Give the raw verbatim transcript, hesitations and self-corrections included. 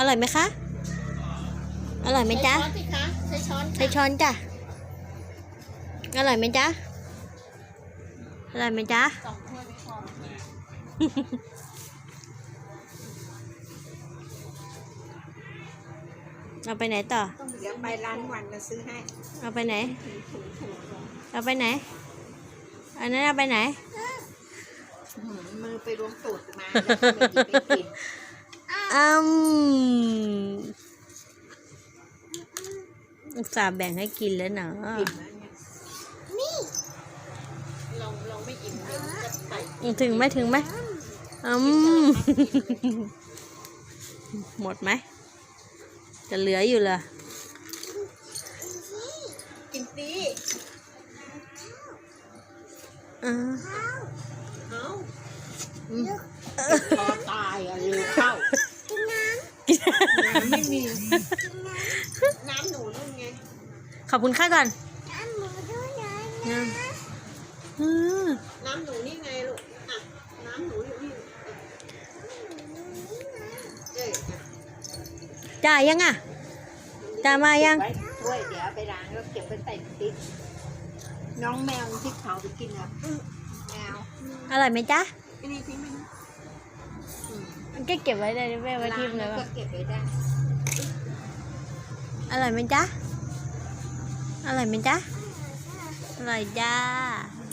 ร่อยไหมคะอร่อยไหมจ๊ะใช้ช้อนสิคะใช้ช้อนใช้ช้อนจ้ะอร่อยไหมจ๊ะอร่อยไหมจ๊ะสองถ้วยไม่พอเอาไปไหนต่อเดี๋ยวไปร้านวันจะซื้อให้เอาไปไหนเอาไปไหนอันนั้นเอาไปไหนมือไปรวมตูดมาแล้วก็ไม่หยิบไม่กินอืมอุตส่าห์แบ่งให้กินแล้วเนาะอิ่มแล้วเนี่ยนี่ลองลองไม่อิ่มเดี๋ยวจะใส่ถึงไหมถึงไหมอืมหมดไหมจะเหลืออยู่เหรอกินสิอ่าเอาอืมพอตายอ่ะเร็วเข้าน้ำไม่มีน้ำหนูนู่นไงขอบคุณค่าก่อนน้ำหนูด้วยนะนะอืมน้ำหนูนี่ไงลูกอ่ะน้ำหนูอยู่นี่เอ๊ะจ่ายยังอ่ะจ่ายมายังไว้ถ้วยเดี๋ยวไปล้างแล้วเก็บไปใส่ติ๊กน้องแมวที่เขาไปกินอ่ะแมวอร่อยไหมจ๊ะไอ้นี่ทิ้งไปนะอืมมันก็เก็บไว้ได้แม่ไว้ทิมเลยล้างว่าก็เก็บไว้ได้อร่อยไหมจ๊ะอร่อยไหมจ๊ะอร่อยจ้า